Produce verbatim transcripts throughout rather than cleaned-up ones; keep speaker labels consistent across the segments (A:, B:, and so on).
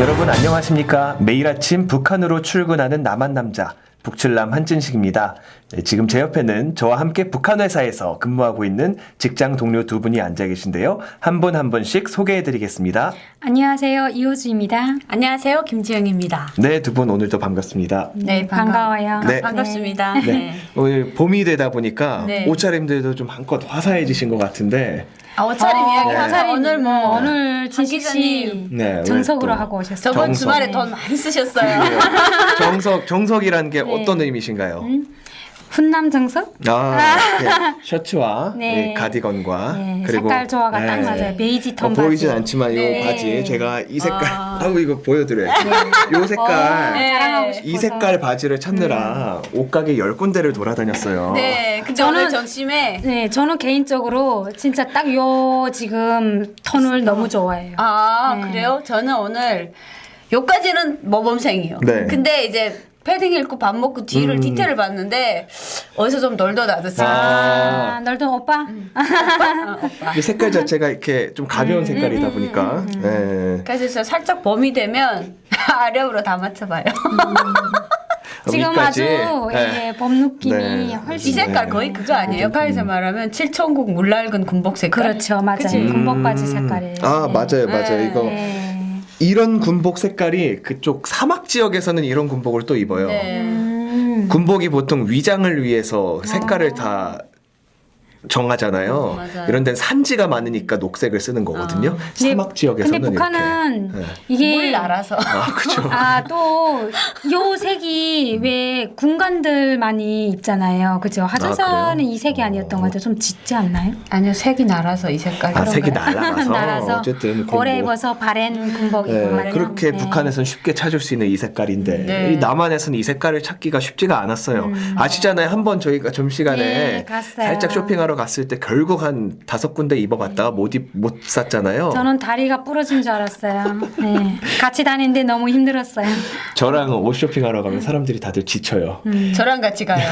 A: 여러분 안녕하십니까? 매일 아침 북한으로 출근하는 남한 남자 북칠남 한진식입니다. 네, 지금 제 옆에는 저와 함께 북한 회사에서 근무하고 있는 직장 동료 두 분이 앉아 계신데요. 한 분 한 분씩 소개해드리겠습니다.
B: 안녕하세요. 이호주입니다.
C: 안녕하세요. 김지영입니다.
A: 네, 두 분 오늘도 반갑습니다.
C: 네,
B: 반가워요.
A: 네.
C: 반갑습니다.
A: 네,
C: 네.
A: 오늘 봄이 되다 보니까
C: 네.
A: 옷차림들도 좀 한껏 화사해지신 것 같은데
C: 아, 옷차림
B: 어,
C: 이야기
A: 네.
C: 하자. 오늘 뭐
B: 오늘 진식 씨
C: 기자님.
A: 네, 오늘
B: 정석으로
A: 또
B: 하고 오셨어요.
C: 저번
A: 정석.
C: 주말에 돈 많이 쓰셨어요.
A: 정석, 정석이라는 게
B: 네.
A: 어떤 의미신가요?
B: 훈남 정석?
A: 아, 네. 셔츠와
B: 네.
A: 네, 가디건과
B: 네,
A: 그리고
B: 색깔 조화가 딱
A: 네.
B: 맞아요. 베이지
A: 어,
B: 톤
A: 보이진
B: 바지.
A: 않지만 이
C: 네.
A: 바지 제가 이 색깔
C: 아.
A: 하고 이거 보여드려요. 이 색깔
B: 어,
C: 네.
B: 자랑하고 싶어서.
A: 이 색깔 바지를 찾느라 옷가게 열 군데를 돌아다녔어요.
C: 네, 근데
B: 저는-
C: 오늘 점심에
B: 네, 저는 개인적으로 진짜 딱 요 지금 톤을 너무 좋아해요.
C: 아
B: 네.
C: 그래요? 저는 오늘 요까지는 모범생이요.
A: 네.
C: 근데 이제 패딩 입고 밥 먹고 뒤를
A: 음.
C: 디테일을 봤는데 어디서 좀 널더 나졌어요.
A: 아.
B: 아, 널던 오빠?
C: 어, 오빠.
A: 이 색깔 자체가 이렇게 좀 가벼운
B: 음,
A: 색깔이다 보니까 네.
C: 그래서 진짜 살짝 봄이 되면 아령으로 다 맞춰봐요.
B: 지금
A: 여기까지.
B: 아주
A: 네.
B: 예, 봄 느낌이
A: 네.
B: 훨씬
C: 이 색깔
A: 네.
C: 거의 그거 아니에요? 역할에서 말하면 칠천국 물낡은 군복 색깔.
B: 그렇죠. 맞아요.
C: 그치?
B: 군복 바지 색깔이에요.
A: 아
B: 네.
A: 맞아요 맞아요
C: 네.
A: 이거
B: 네.
A: 이런 군복 색깔이 그쪽 사막 지역에서는 이런 군복을 또 입어요.
C: 네.
B: 음.
A: 군복이 보통 위장을 위해서 색깔을 다 정하잖아요.
C: 맞아요.
A: 이런 데는 산지가 많으니까 녹색을 쓰는 거거든요.
B: 근데-
A: 사막 지역에서는
B: 근데 북한은
A: 이렇게. 네.
B: 이게
C: 물 날아서.
A: 아 그죠.
B: 아, 또, 요 색이 왜 군관들 많이 입잖아요. 그죠? 하전선은
A: 그래요?
B: 이 색이 아니었던 것 같아요. 좀 짙지 않나요?
C: 아니요, 색이 날아서 이 색깔.
A: 아 색이
C: 그런가요?
A: 날아가서,
B: 날아서
A: 어쨌든
B: 오래
A: 군복.
B: 입어서 바랜 군복 입고
A: 네,
B: 말이에요.
A: 그렇게
B: 네.
A: 북한에서는 쉽게 찾을 수 있는 이 색깔인데
C: 네.
A: 이 남한에서는 이 색깔을 찾기가 쉽지가 않았어요. 아시잖아요. 한번 저희가 점심시간에
B: 네, 갔어요.
A: 살짝 쇼핑하러 갔을 때 결국 한 다섯 군데 입어봤다가 못, 입, 못 샀잖아요.
B: 저는 다리가 부러진 줄 알았어요. 네. 같이 다니는데 너무 힘들었어요.
A: 저랑 옷 쇼핑하러 가면 사람들이 다들 지쳐요.
C: 저랑 같이 가요.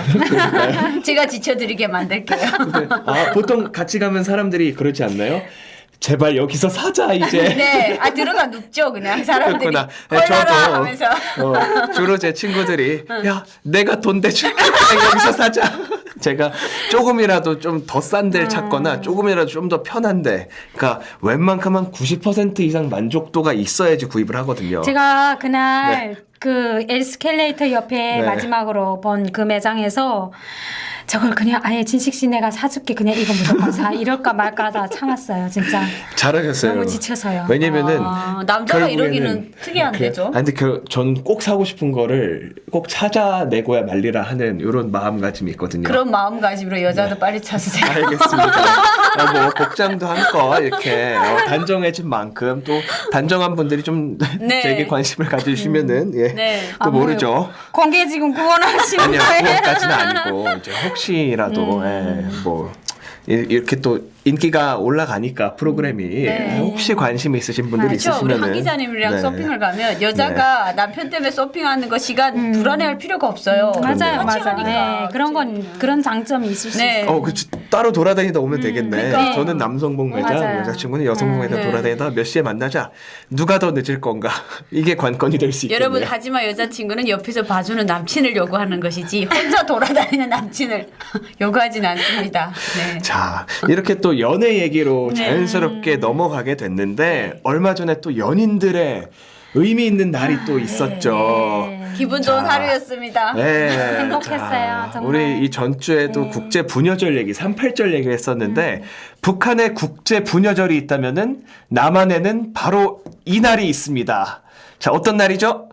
C: 제가 지쳐드리게 만들게요.
A: 근데, 아, 보통 같이 가면 사람들이 그러지 않나요? 제발 여기서 사자 이제.
C: 네, 아 들어가 눕죠 그냥 사람들이.
A: 그렇구나. 네,
C: 헐라라 하면서.
A: 어, 주로 제 친구들이 야 내가 돈 대줄게 그냥 여기서 사자. 제가 조금이라도 좀 더 싼 데를 찾거나 조금이라도 좀 더 편한데, 그러니까 웬만큼은 구십 퍼센트 이상 만족도가 있어야지 구입을 하거든요.
B: 제가 그날
A: 네.
B: 그 에스컬레이터 옆에
A: 네.
B: 마지막으로 본 그 매장에서 저걸 그냥 아예 진식 씨 내가 사줄게 그냥 이거 무조건 사 이럴까 말까 하다 참았어요 진짜.
A: 잘하셨어요.
B: 너무 지쳐서요.
A: 왜냐면은
C: 아, 남자가
A: 결국에는
C: 이러기는 특이한데죠?
A: 그, 아니 근데 전꼭 사고 싶은 거를 꼭 찾아내고야 말리라 하는 이런 마음가짐이 있거든요.
C: 그런 마음가짐으로 여자도
A: 네.
C: 빨리 찾으세요.
A: 알겠습니다. 아, 뭐 복장도 한껏 이렇게 어, 단정해진 만큼 또 단정한 분들이 좀
C: 네.
A: 제게 관심을 가져주시면은 예,
C: 네.
A: 또
B: 아,
A: 모르죠.
B: 뭐예요? 공개 지금 구원하시는
A: 아니요,
B: 거예요?
A: 그것까지는 아니고 이제 혹시라도 예, 뭐 이- 이렇게 또 인기가 올라가니까 프로그램이
C: 네.
A: 혹시 관심 있으신 분들이
C: 그렇죠. 우리
A: 있으시면은
C: 한 기자님이랑
A: 네.
C: 쇼핑을 가면 여자가 남편 때문에 쇼핑하는 거 시간 불안해할 필요가 없어요.
B: 맞아요,
A: 그럼요.
B: 맞아요.
C: 하니까.
B: 네, 그런 건 그런 장점이 있을 수
C: 네.
B: 있어요.
A: 어, 그 따로 돌아다니다 오면 되겠네.
C: 그러니까.
A: 저는 남성복 매장,
B: 맞아요.
A: 여자친구는 여성복 매장
C: 네.
A: 돌아다니다 몇 시에 만나자. 누가 더 늦을 건가? 이게 관건이 될 수 있겠네요.
C: 여러분 하지만 여자친구는 옆에서 봐주는 남친을 요구하는 것이지 혼자 돌아다니는 남친을 요구하진 않습니다. 네.
A: 자, 이렇게 또 연애 얘기로
C: 네.
A: 자연스럽게 넘어가게 됐는데 얼마 전에 또 연인들의 의미 있는 날이 또 있었죠.
B: 네.
C: 기분 좋은
A: 자.
C: 하루였습니다.
A: 네.
B: 행복했어요,
A: 자,
B: 정말.
A: 우리 이 전주에도
B: 네.
A: 국제 부녀절 얘기, 삼팔절 얘기를 했었는데 북한에 국제 부녀절이 있다면은 남한에는 바로 이 날이 있습니다. 자, 어떤 날이죠?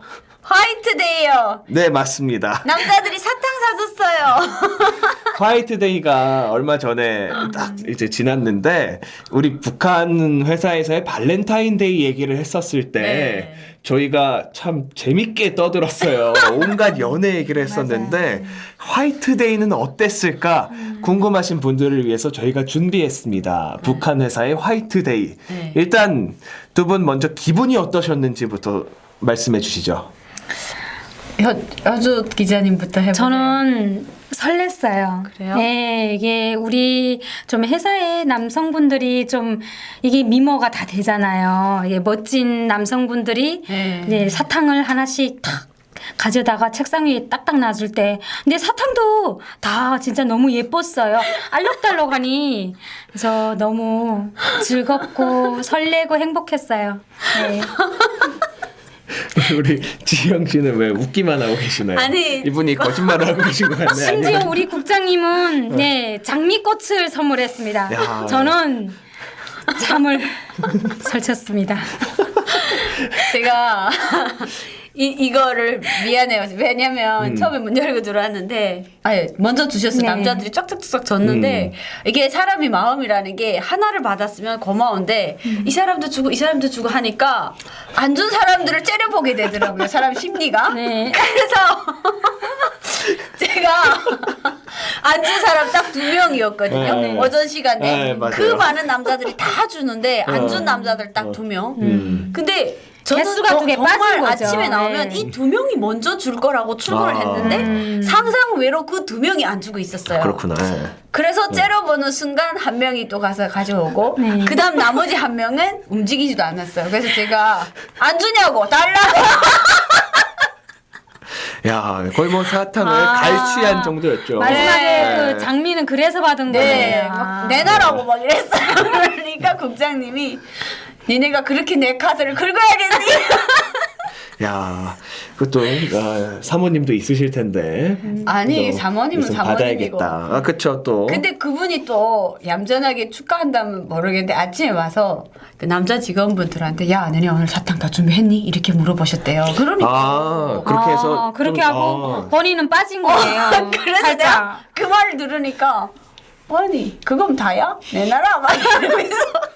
C: 화이트데이요.
A: 네, 맞습니다.
C: 남자들이 사탕 사줬어요.
A: 화이트데이가 얼마 전에 딱 이제 지났는데 우리 북한 회사에서의 발렌타인데이 얘기를 했었을 때
C: 네.
A: 저희가 참 재밌게 떠들었어요. 온갖 연애 얘기를 했었는데 화이트데이는 어땠을까 궁금하신 분들을 위해서 저희가 준비했습니다. 북한 회사의 화이트데이.
C: 네.
A: 일단 두 분 먼저 기분이 어떠셨는지부터 말씀해 주시죠.
C: 여, 여주 기자님부터 해보세요.
B: 저는 설렜어요.
C: 그래요?
B: 네, 이게 우리 좀 회사의 남성분들이 좀 이게 미모가 다 되잖아요. 예, 멋진 남성분들이
C: 네.
B: 이제 사탕을 하나씩 탁 가져다가 책상 위에 딱딱 놔줄 때, 근데 사탕도 다 진짜 너무 예뻤어요. 알록달록하니. 그래서 너무 즐겁고 설레고 행복했어요. 네.
A: 우리 지영 씨는 왜 웃기만 하고 계시나요?
C: 아니.
A: 이분이 거짓말을 하고 계신 거 같네요.
B: 심지어 우리 국장님은 네 장미꽃을 선물했습니다.
A: 야.
B: 저는 잠을 설쳤습니다.
C: 제가 이 이거를 미안해요. 왜냐면
A: 음.
C: 처음에 문 열고 들어왔는데, 아예 먼저 주셨어요.
B: 네.
C: 남자들이 쫙쫙쫙 줬는데
A: 음.
C: 이게 사람이 마음이라는 게 하나를 받았으면 고마운데
B: 음.
C: 이 사람도 주고 이 사람도 주고 하니까 안 준 사람들을 째려보게 되더라고요. 사람 심리가.
B: 네.
C: 그래서 제가 안 준 사람 딱 두 명이었거든요.
A: 네.
C: 오전 시간에
A: 네, 맞아요.
C: 그 많은 남자들이 다 주는데 안 준
A: 어.
C: 남자들 딱 두 명.
A: 음.
C: 근데 저는
B: 개수가
C: 저-
B: 두개
C: 정말
B: 빠진 거죠.
C: 아침에 나오면
B: 네.
C: 이 두 명이 먼저 줄 거라고 출근을
A: 아.
C: 했는데
B: 음.
C: 상상 외로 그 두 명이 안 주고 있었어요.
A: 그렇구나.
C: 그래서 째려보는 순간 한 명이 또 가서 가져오고
B: 네.
C: 그다음 나머지 한 명은 움직이지도 않았어요. 그래서 제가 안 주냐고 달라고.
A: 야, 거의 뭐 사탕을
B: 아.
A: 갈취한 정도였죠.
B: 마지막에
A: 네.
B: 그 장미는 그래서 받은
C: 네,
B: 거예요.
C: 막 내놔라고 막 이랬어요. 그러니까 국장님이 니네가 그렇게 내 카드를 긁어야겠니?
A: 야, 그것도 아, 사모님도 있으실 텐데.
C: 아니
A: 그죠?
C: 사모님은
A: 좀
C: 사모님이고.
A: 받아야겠다. 아, 그쵸 또.
C: 근데 그분이 또 얌전하게 축하한다면 모르겠는데 아침에 와서 그 남자 직원분들한테 야 너네 오늘 사탕 다 준비했니? 이렇게 물어보셨대요. 그러니까
A: 아, 그렇게 해서
B: 아, 그렇게
A: 좀,
B: 하고
A: 아.
B: 본인은 빠진 거예요.
C: 그래서
B: 살짝.
C: 내가 그 말을 들으니까 아니 그건 다야? 내놔라 막 이러면서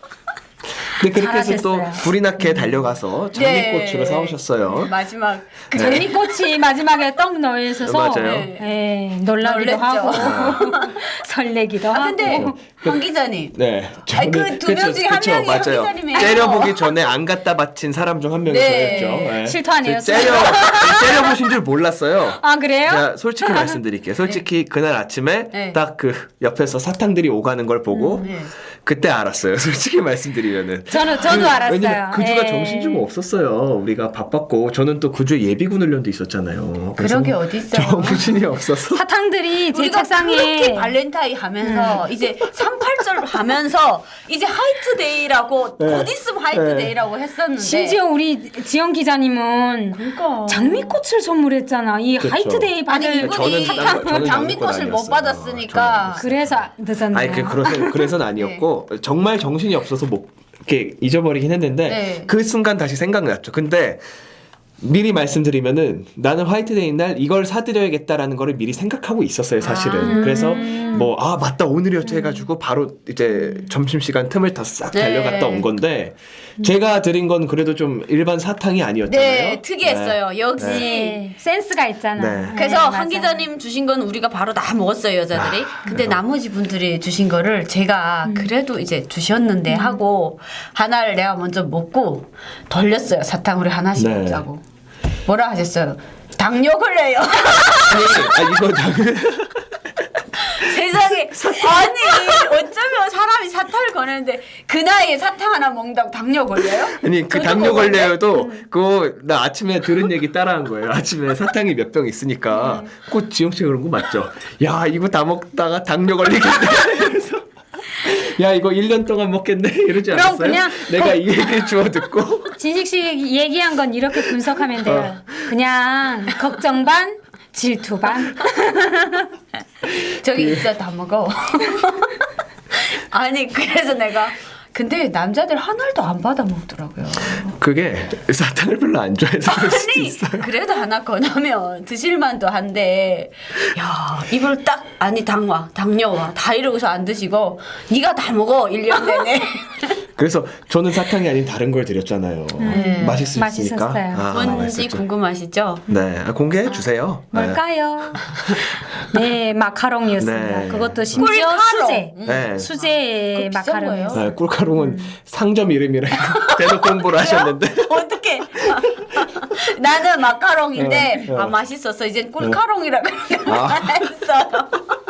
A: 근데 그렇게 해서 또
B: 잘하셨어요.
A: 불이 나게 달려가서 장미꽃으로
C: 네.
A: 사오셨어요.
C: 마지막 그
B: 장미꽃이 마지막에 떡 넣어 있어서
A: 맞아요.
B: 네, 놀라기도
C: 놀랬죠.
B: 하고 설레기도
C: 아
B: 하고.
C: 근데 황 기자님
A: 네.
C: 아니, 그두명 중에 한
A: 그쵸,
C: 명이
A: 맞아요.
C: 황기사님이에요.
A: 째려보기 전에 안 갖다 바친 사람 중 한 명이
C: 네.
A: 저였죠. 네.
B: 실토 아니었어요?
A: 째려, 째려보신 줄 몰랐어요.
B: 아 그래요?
A: 제가 솔직히 말씀드릴게요. 솔직히 그날 아침에
C: 네.
A: 딱 그 옆에서 사탕들이 오가는 걸 보고
C: 네.
A: 그때 알았어요. 솔직히 말씀드리면은.
B: 저는 저도 알았어요.
A: 왜냐면 그 주가
B: 예.
A: 정신 좀 없었어요. 우리가 바빴고 저는 또 그 주에 예비군 훈련도 있었잖아요. 그래서
C: 그런 게 어디 있어요?
A: 정신이 없어서.
B: 사탕들이 제
C: 우리가
B: 책상에
C: 그렇게 발렌타인 하면서 이제 삼팔절 하면서 이제 화이트데이라고
A: 네.
C: 곧 있으면 화이트데이라고 했었는데
B: 심지어 우리 지영 기자님은
C: 그러니까
B: 장미꽃을 선물했잖아. 이
A: 그쵸.
B: 하이트데이
C: 아니
B: 받을
C: 이분이
A: 저는 딴 거- 저는
C: 장미꽃을
A: 딴건
C: 못
A: 아니었어요.
C: 받았으니까
B: 그래서 늦었네요.
A: 아니 그 그래서 그래서는 아니었고 정말 정신이 없어서 못 이렇게 잊어버리긴 했는데
C: 네.
A: 그 순간 다시 생각났죠. 근데 미리 말씀드리면은 나는 화이트데이 날 이걸 사드려야겠다라는 거를 미리 생각하고 있었어요, 사실은.
B: 아.
A: 그래서 뭐 아 맞다 오늘이었죠 해가지고 바로 이제 점심 시간 틈을 다 싹
C: 네.
A: 달려갔다 온 건데 제가 드린 건 그래도 좀 일반 사탕이 아니었잖아요.
C: 네 특이했어요. 역시
B: 네, 센스가 있잖아.
A: 네.
C: 그래서
B: 네,
C: 한
B: 맞아요.
C: 기자님 주신 건 우리가 바로 다 먹었어요 여자들이.
A: 아,
C: 근데
A: 그래요?
C: 나머지 분들이 주신 거를 제가
B: 음.
C: 그래도 이제 주셨는데 하고 하나를 내가 먼저 먹고 돌렸어요. 사탕 우리 하나씩
A: 네.
C: 먹자고. 뭐라 하셨어요? 당뇨 걸려요.
A: 아니, 아 이거 당
C: 세상에 아니 어쩌면 사람이 사탕을 거는데 그 나이에 사탕 하나 먹는다고 당뇨 걸려요?
A: 아니 그
C: 저도
A: 당뇨
C: 먹었는데.
A: 걸려요도 그거 나 아침에 들은 얘기 따라한 거예요. 아침에 사탕이 몇 병 있으니까 꼭 지영 씨가 그런 거 맞죠? 야 이거 다 먹다가 당뇨 걸리겠네. 그래서 야 이거 일 년 동안 먹겠네 이러지
B: 그럼
A: 않았어요?
B: 그냥
A: 내가 이 얘기를 주워 듣고
B: 진식 씨 얘기한 건 이렇게 분석하면 돼요. 그냥 걱정 반, 질투 반.
C: 저기 있어 다 먹어. 아니 그래서 내가 근데 남자들 하나도 안 받아 먹더라고요.
A: 그게 사탕을 별로 안 좋아해서 그럴 수도
C: 아니
A: 있어요.
C: 그래도 하나 권하면 드실만도 한데 야 이걸 딱 아니 당와 당뇨와 다 이러고서 안 드시고 네가 다 먹어 일 년 내내.
A: 그래서 저는 사탕이 아닌 다른 걸 드렸잖아요.
C: 네.
A: 맛있으니까.
B: 맛있었어요.
C: 뭔지
A: 맛있었죠.
C: 궁금하시죠?
A: 네, 아, 공개해 주세요.
B: 뭘까요? 네, 마카롱이었습니다.
A: 네.
B: 그것도 심지어
C: 꿀카롱.
B: 수제.
A: 네. 네.
B: 수제
C: 그거 비싼 거예요?
B: 마카롱이었어요.
A: 네, 꿀가루는 상점 이름이라 대놓고 공부를 하셨는데.
C: 어떻게? 나는 마카롱인데
A: 어, 어.
C: 아 맛있었어. 이제 꿀카롱이라고
A: 아.
C: 했어요.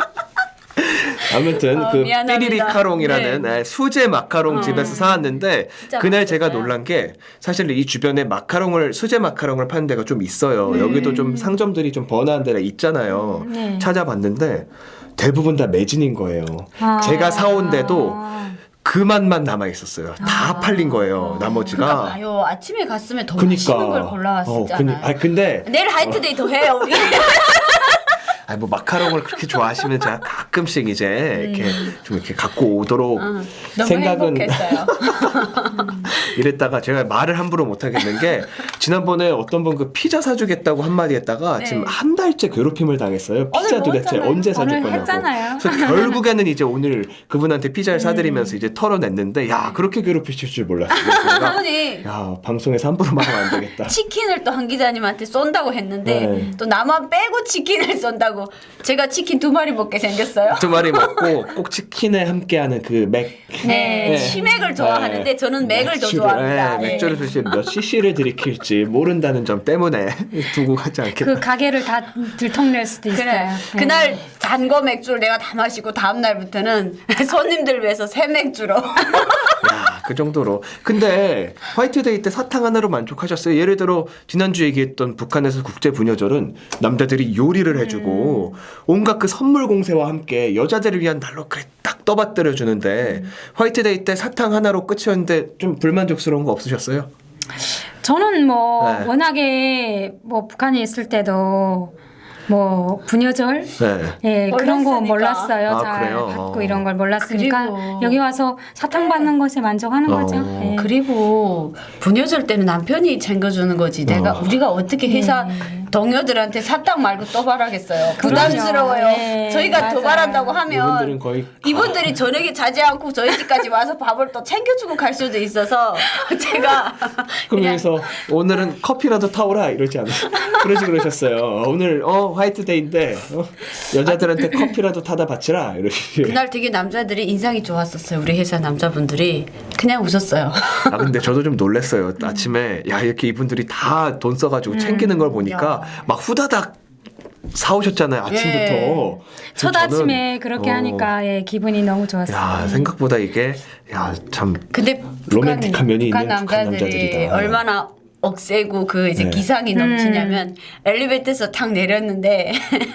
A: 아무튼
C: 어,
A: 그
C: 미안합니다.
A: 삐리리카롱이라는
C: 네.
A: 네, 수제 마카롱 집에서 사왔는데
C: 진짜
A: 그날 제가
C: 맛있었어요.
A: 놀란 게 사실 이 주변에 마카롱을 수제 마카롱을 파는 데가 좀 있어요. 여기도 좀 상점들이 좀 번화한 데가 있잖아요.
B: 네.
A: 찾아봤는데 대부분 다 매진인 거예요.
B: 아.
A: 제가 사온데도 그 맛만 남아 있었어요. 다 팔린 거예요. 나머지가.
C: 그러니까 봐요. 아침에 갔으면 더
A: 그니까.
C: 맛있는 걸 골라왔었잖아요.
A: 어, 그니- 아 근데
C: 내일 하이트데이 더 해요 우리.
A: 아니 뭐 마카롱을 그렇게 좋아하시면 제가 가끔씩 이제 이렇게 좀 이렇게 갖고 오도록
C: 응, 너무
A: 생각은
C: 행복했어요.
A: 이랬다가 제가 말을 함부로 못 하겠는 게 지난번에 어떤 분 그 피자 사주겠다고 한마디 했다가
C: 네.
A: 지금 한 달째 괴롭힘을 당했어요. 피자
C: 오늘
A: 도대체
C: 먹었잖아요.
A: 언제 사줄
B: 오늘
A: 거냐고.
B: 했잖아요.
A: 그래서 결국에는 이제 오늘 그분한테 피자를
C: 음.
A: 사드리면서 이제 털어냈는데 야 그렇게 괴롭히실 줄 몰랐어요. 제가
C: 그분이
A: 야 방송에서 함부로 말하면 안 되겠다.
C: 치킨을 또 한 기자님한테 쏜다고 했는데
A: 네.
C: 또 나만 빼고 치킨을 쏜다고 제가 치킨 두 마리 먹게 생겼어요.
A: 두 마리 먹고 꼭 치킨에 함께하는 그 맥.
C: 네,
A: 네.
C: 치맥을 좋아하는데
A: 네.
C: 저는 맥을 더
A: 맥주를,
C: 좋아합니다.
A: 네,
C: 예.
A: 맥주를 사실 몇 씨씨를 들이킬지 모른다는 점 때문에 두고 가지 않겠다.
B: 그 가게를 다 들통낼 수도 있어요.
C: 그래.
B: 네.
C: 그날 단거 맥주를 내가 다 마시고 다음 날부터는 손님들 위해서 새 맥주로.
A: 야, 그 정도로. 근데 화이트데이 때 사탕 하나로 만족하셨어요? 예를 들어 지난주 얘기했던 북한에서 국제 부녀절은 남자들이 요리를 해주고 온갖 그 선물 공세와 함께 여자들을 위한 날로 그래 딱 떠받들여 주는데 화이트데이 때 사탕 하나로 끝이었는데 좀 불만족스러운 거 없으셨어요?
B: 저는 뭐
A: 네.
B: 워낙에 뭐 북한에 있을 때도 뭐 부녀절
A: 네.
B: 예 그런 거
C: 몰랐으니까.
B: 몰랐어요.
A: 아,
B: 잘
A: 그래요?
B: 받고
A: 어.
B: 이런 걸 몰랐으니까
C: 그리고-
B: 여기 와서 사탕 받는 것에 만족하는
A: 어.
B: 거죠. 예.
C: 그리고 부녀절 때는 남편이 챙겨주는 거지. 내가
A: 어.
C: 우리가 어떻게 회사
B: 네.
C: 동료들한테 사탕 말고 또 바라겠어요.
B: 그럼요.
C: 부담스러워요.
B: 네,
C: 저희가
B: 맞아요.
C: 도발한다고 하면
A: 이분들은 거의
C: 이분들이 저녁에 자지 않고 저희 집까지 와서 밥을 또 챙겨주고 갈 수도 있어서 제가 그냥
A: 그러면서 오늘은 커피라도 타오라 이러지 않아요? 그러지 그러셨어요. 오늘 어 화이트데이인데 어, 여자들한테 커피라도 타다 바치라 이러시.
C: 그날 되게 남자들이 인상이 좋았었어요. 우리 회사 남자분들이 그냥 웃었어요.
A: 아 근데 저도 좀 놀랐어요. 아침에 야 이렇게 이분들이 다 돈 써가지고 챙기는 걸 보니까 막 후다닥 사오셨잖아요. 아침부터.
C: 예.
B: 첫
A: 저는,
B: 아침에 그렇게
A: 어,
B: 하니까 예, 기분이 너무 좋았어요.
A: 야 생각보다 이게 야참
C: 근데
A: 로맨틱한 면이
C: 북한
A: 있는 북한
C: 남자들이
A: 남자들이다.
C: 얼마나 억세고 그 이제
A: 네.
C: 기상이 넘치냐면 엘리베이터에서 탁 내렸는데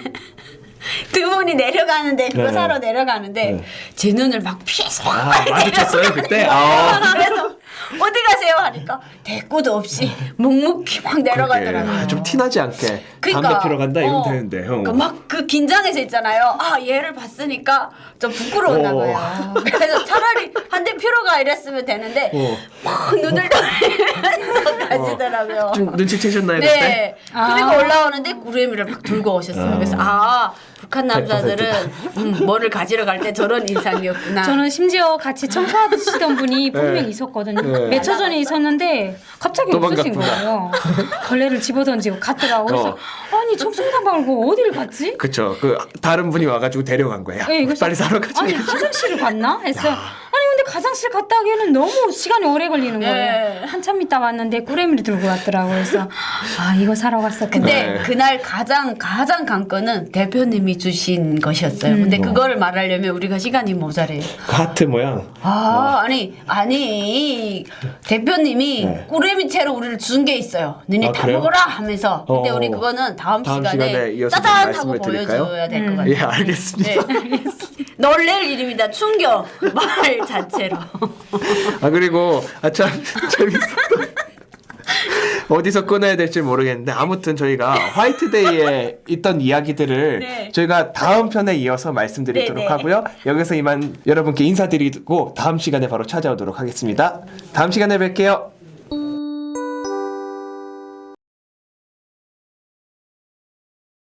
C: 두 분이 내려가는데 그거
A: 네.
C: 사러 내려가는데
A: 네.
C: 제 눈을 막 피해서
A: 아 마주쳤어요 그때. 아.
C: 그래서 어디 가세요 하니까 대꾸도 없이 묵묵히 막 내려가더라고요.
A: 아, 좀 티나지 않게
C: 그러니까,
A: 담배 피러 간다 이러면
C: 어,
A: 되는데 형.
C: 그러니까 막 그 긴장해서 있잖아요. 아 얘를 봤으니까 좀 부끄러웠나
A: 어.
C: 봐요. 그래서 차라리 한 대 피러 가 이랬으면 되는데
A: 어.
C: 막 눈을 돌리면서 가시더라고요.
A: 좀 눈치채셨나요 그때?
C: 네.
B: 아.
C: 그리고 올라오는데 구레미를 막 들고 오셨어요.
A: 아.
C: 그래서 아 북한 남자들은 음, 뭐를 가지러 갈 때 저런 인상이었구나.
B: 저는 심지어 같이 청소하시던 분이 분명
A: 네.
B: 있었거든요.
A: 네.
B: 몇 초 전에 있었는데 갑자기 없으신
A: 도망갔구나.
B: 거예요. 걸레를 집어던지고 갔더라고. 그래서
A: 어.
B: 아니 청소하다 말고 어디를 갔지?
A: 그쵸. 그 다른 분이 와가지고 데려간 거야.
B: 예, 그래서
A: 빨리 사러 가자.
B: 아니 화장실을 갔나? 했어요. 아니 근데 화장실 갔다 오기에는 너무 시간이 오래 걸리는 거예요.
C: 네.
B: 한참 있다 왔는데 꾸레미를 들고 왔더라고요. 그래서 아 이거 사러 갔었구나.
C: 근데
A: 네.
C: 그날 가장 가장 관건은 대표님이 주신 것이었어요. 근데
A: 음.
C: 그거를 말하려면 우리가 시간이 모자래요.
A: 그 하트 모양.
C: 아 아니 아니 대표님이
A: 네.
C: 꾸레미 채로 우리를 준 게 있어요. 너네
A: 아,
C: 다
A: 그래요?
C: 먹어라 하면서. 근데
A: 어.
C: 우리 그거는 다음,
A: 다음
C: 시간에,
A: 시간에 이어서 좀
C: 짜잔 하고
A: 말씀을 드릴까요?
C: 보여줘야 될 것
B: 음.
C: 같아요.
A: 예, 알겠습니다.
C: 네. 놀랄 일입니다. 충격 말 자체로.
A: 아 그리고 아참 재밌었던 어디서 끊어야 될지 모르겠는데 아무튼 저희가 화이트데이에 있던 이야기들을
C: 네.
A: 저희가 다음 편에 이어서 말씀드리도록
C: 네, 네.
A: 하고요. 여기서 이만 여러분께 인사드리고 다음 시간에 바로 찾아오도록 하겠습니다. 다음 시간에 뵐게요.